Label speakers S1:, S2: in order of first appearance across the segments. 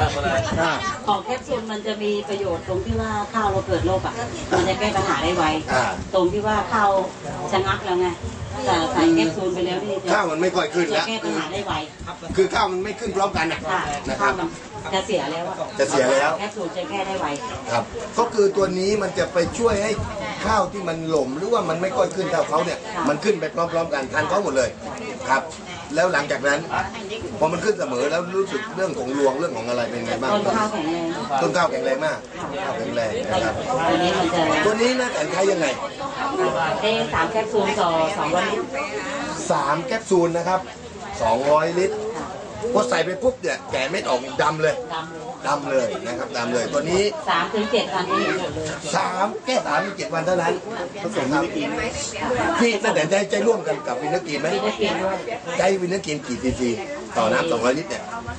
S1: ของแคปซูลมันจะมีประโยชน์ตรงที่ว่าข้าวเราเกิดโรคอ่ะมันจะแก้ปัญหาได้ไวตรงที่ว่าข้าวชะงักแล้วไงแต่ใส่แคปซูลไปแล้วนี่
S2: ข้าวมันไม่ค่อยขึ้นแล้ว
S1: แก้ปัญหาได้ไว
S2: คือข้าวมันไม่ขึ้นพร้อมกันนะครับ
S1: จะเสียแล้ว
S2: จะเสียแล้ว
S1: แคปซูลจะแก้ได้ไว
S2: ครับก็คือตัวนี้มันจะไปช่วยให้ข้าวที่มันหล่มหรือว่ามันไม่ค่อยขึ้นเท่าเขาเนี่ยมันขึ้นไปพร้อมๆกันทันเขาหมดเลยครับแล้วหลังจากนั้นพอมันขึ้นเสมอแล้วรู้สึกเรื่องของรวงเรื่องของอะไรเป็นไงบ้าง
S1: ต้นข้าวแข็งแรง
S2: ต้นข้าวแข็งแรงมากข้าวแข็งแรงนะครับตัวนี้นะแต่ใช้ยังไง
S1: ได้3แคปซูลต่อ200 ลิตร
S2: 3แคปซูลนะครับ200 ลิตรพอใส่ไปปุ๊บเนี่ยแกะเม็ดออกดำเลยดำเลยนะครับดำเลยตัวนี้
S1: 3 ถึง 7 วันนี้
S2: แค่3 ถึง 7 วันเท่านั้นผสมวินกินพี่ตั้งแต่ใจร่วมกันกับวินกินไหมใจวินกินกี่ซีซีต่อน้ำ200 ลิตรเนี่ย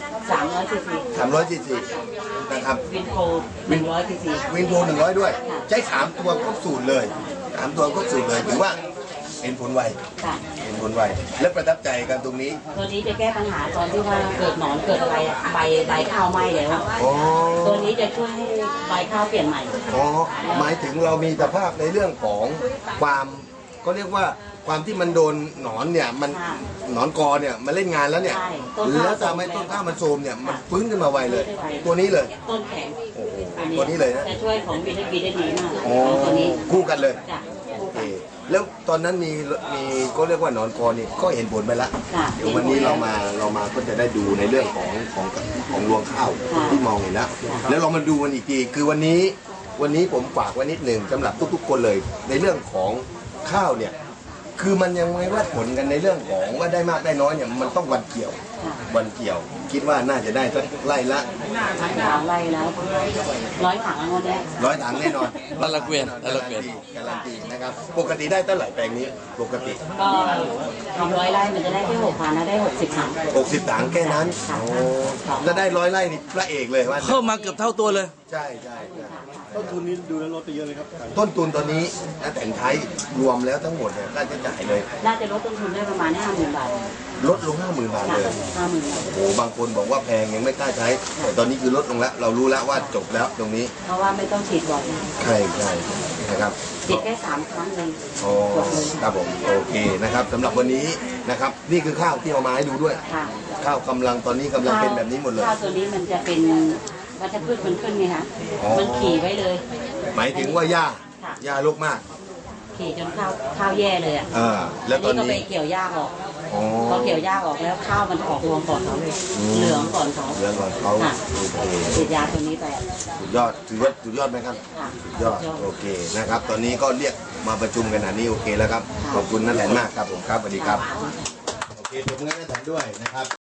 S2: 300 ซีซีนะครับ
S1: วินโพ100 ซีซี
S2: วินโพ100ด้วยใช้3 ตัวครบสูตรเลย3 ตัวครบสูตรเลยถือว่าเห็นผลไวและประทับใจกันตรงนี้
S1: ตัวนี้จะแก้ปัญหาตอนที่ว่าเกิดหนอนเกิดอะไรใบข้าวไหม้แล้วตัวนี้จะช่วยให้ใบข้าวเปลี่ยนใหม่
S2: หมายถึงเรามีสภาพในเรื่องของความก็เรียกว่าความที่มันโดนหนอนเนี่ยมันหนอนกอเนี่ยมาเล่นงานแล้วเนี่ยแล้วทำให้ต้นข้าวมันโทรมเนี่ยมันฟื้นขึ้นมาไวเลยตัวนี้เลย
S1: ต้นแข็ง
S2: ตัวนี้เลยนะ
S1: จะช่วยของวิตามินได้ดีมาก
S2: ตัวนี้คู่กันเลยแล้วตอนนั้นมีก็เรียกว่าหนอนคอนี่ก็เห็นผลไปแล้วเดี๋ยววันนี้เรามาก็จะได้ดูในเรื่องของรวงข้าวที่มองเห็นแล้วเรามาดูมันอีกทีคือวันนี้ผมฝากไว้นิดหนึ่งสำหรับทุกๆคนเลยในเรื่องของข้าวเนี่ยคือมันยังไม่วัดผลกันในเรื่องของว่าได้มากได้น้อยเนี่ยมันต้องวันเกี่ยวคิดว่าน่าจะได้สักไร่ละ
S1: ไร่แล้ว100 ถังแน่
S2: 100 ถังแน่นอน
S3: ละเกวียน
S2: การันตีนะครับปกติได้เท่าไหร่แปลงนี้ปกติ
S1: ก็ทำ100 ไร่มันจะได้แค่6,000นะได้60 ถัง
S2: 60 ถังแค่นั้นแล้วได้100 ไร่นี่พระเอกเลยว่า
S3: เพิ่มมาเกือบเท่าตัวเลย
S2: ใช่
S4: ต้นทุนนี้ดูแล้วลดไปเยอะเลยครับ
S2: ต้นทุนตอนนี้แต่งไทยรวมแล้วทั้งหมดเนี่ยค่าใช้จ่ายเลย
S1: น่าจะลดต้นทุนได้ประมาณ50,000 บาท
S2: ลดลง 50,000 บาทเลยโอ้บางคนบอกว่าแพงยังไม่กล้าใช้แต่ตอนนี้คือลดลงแล้วเรารู้แล้วว่าจบแล้วตรงนี้
S1: เพราะว่าไม่ต้องฉีดบ่อย
S2: ใช่นะครับ
S1: ฉีดแค่3 ครั้งเอง
S2: ครับผมโอเคนะครับสำหรับวันนี้นะครับนี่คือข้าวที่เอามาให้ดูด้วยข้าวกำลังตอนนี้กำลังเป็นแบบนี้หมดเลย
S1: ข้าวตัวนี้มันจะเป็นวัชพืชมันขึ้นไงคะมันขี่ไว้เลย
S2: หมายถึงว่าหญ้ารกมาก
S1: ขี่จนข้าวแย่เลย
S2: แล้วตอนนี้
S1: ก็ไปเกี่ยวหญ้าออกพอเกี่ยวหญ้าออกแล้วข้าวมันออกรวงก่อนเขาเลยเหลืองก่อนเขาฉีดยาตัวนี้ไป
S2: สุดยอดไหมครับสุดยอดโอเคนะครับตอนนี้ก็เรียกมาประชุมกันนี่โอเคแล้วครับขอบคุณน้าแหลนมากครับผมครับสวัสดีครับโอเคผมงั้นน้าแหลนด้วยนะครับ